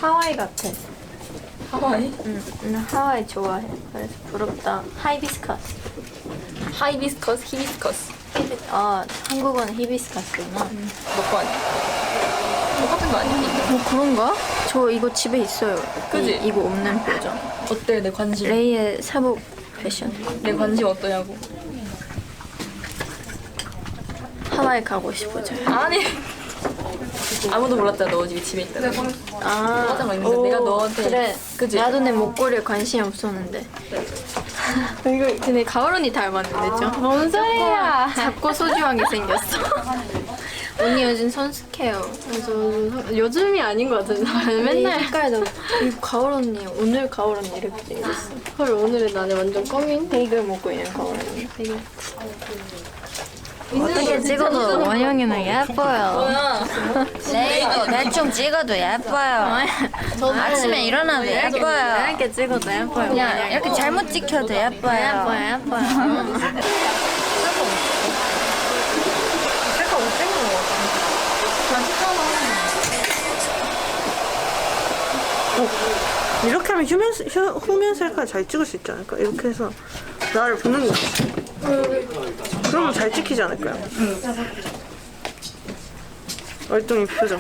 하와이 같아. 하와이? 응, 나 하와이 좋아해. 그래서 부럽다. 하이비스커스. 하이비스커스, 히비스커스. 한국어는 히비스커스구나. 너거 아니야? 똑같은 거 아니야? 뭐 그런가? 저 이거 집에 있어요. 그지? 이거 없는 버전. 어때 내 관심? 레이의 사복 패션. 내 관심 어떠냐고. 하와이 가고 싶어져. 아니 아무도 몰랐잖아 너 집에 있다고. 맞아, 맞아. 오, 내가 너한테 그래. 그지? 나도 내 목걸이에 관심이 없었는데. 이거 근데 가을 언니 닮았는데 좀. 뭔 소리야? 작고 소중하게 생겼어. 언니 요즘 선숙해요. 요즘이 아닌 것 같은데 맨날 색깔도 이거 가을 언니 오늘 가을 언니 이렇게 생겼어. 헐 오늘은 나는 완전 껌인 베이글 먹고 있는 가을 언니. 베이글. 어떻게 찍어도 원영이는 예뻐요. 레이도 대충 찍어도 예뻐요. 아침에 일어나도 예뻐요. 이렇게 찍어도 예뻐요. 그냥 이렇게 잘못 찍혀도 예뻐요. 예뻐요. 색깔 못 찍는 거 같아. 그냥 찍어놔. 이렇게 하면 후면 셀카 잘 찍을 수 있지 않을까? 이렇게 해서 나를 보는 거지. 그러면 잘 찍히지 않을까요? 월등히 표정.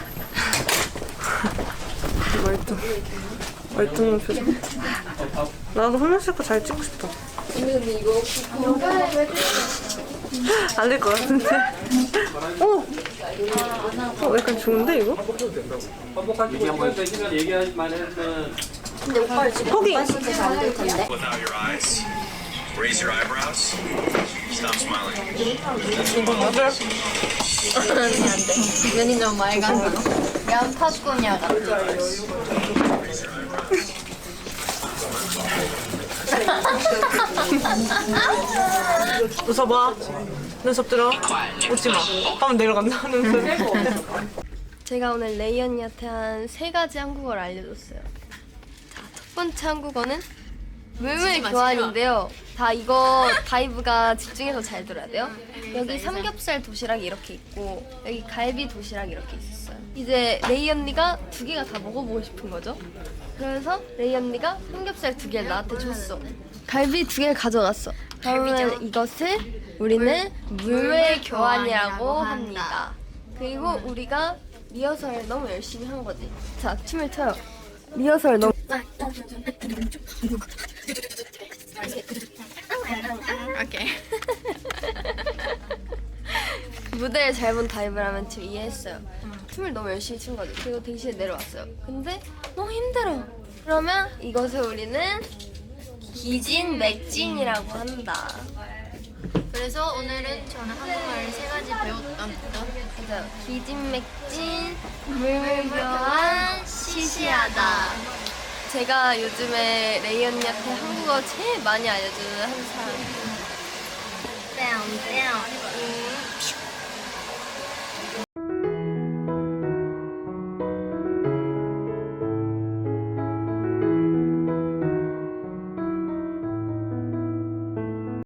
월등한 표정. 나도 후면 셀카 잘 찍고 싶다. 안 될 것 같은데. 약간 좋은데 이거? 포기. Without your eyes. Raise your eyebrows. Stop smiling. 눈이 너무 맑아서. 양파꾸냐 같아. 웃어봐. 눈썹 들어. 웃지 마. 하면 내려간다. 눈썹. 제가 오늘 레이 언니한테 한 3가지 한국어를 알려줬어요. 자, 첫 번째 한국어는 물물 교환인데요. 다 이거 다이브가 집중해서 잘 들어야 돼요. 여기 삼겹살 도시락이 이렇게 있고 여기 갈비 도시락이 이렇게 있었어요. 이제 레이 언니가 2개가 다 먹어보고 싶은 거죠. 그래서 레이 언니가 삼겹살 2개를 나한테 줬어. 갈비 2개를 가져갔어. 그러면 이것을 우리는 물물 교환이라고 합니다. 그리고 우리가 리허설을 너무 열심히 한 거지. 자, 춤을 춰요. 리허설 너무 오케이. 무대를 잘 본 다이브라면 지금 이해했어요. 춤을 너무 열심히 춘 거지. 그리고 대신에 내려왔어요. 근데 너무 힘들어. 그러면 이것을 우리는 기진맥진이라고 한다. 그래서 오늘은 저는 한국말 3가지 배웠답니다. 맞아요. 기진맥진, 물물교환, 시시하다. 제가 요즘에 레이 언니한테 한국어 제일 많이 알려주는 한 사람.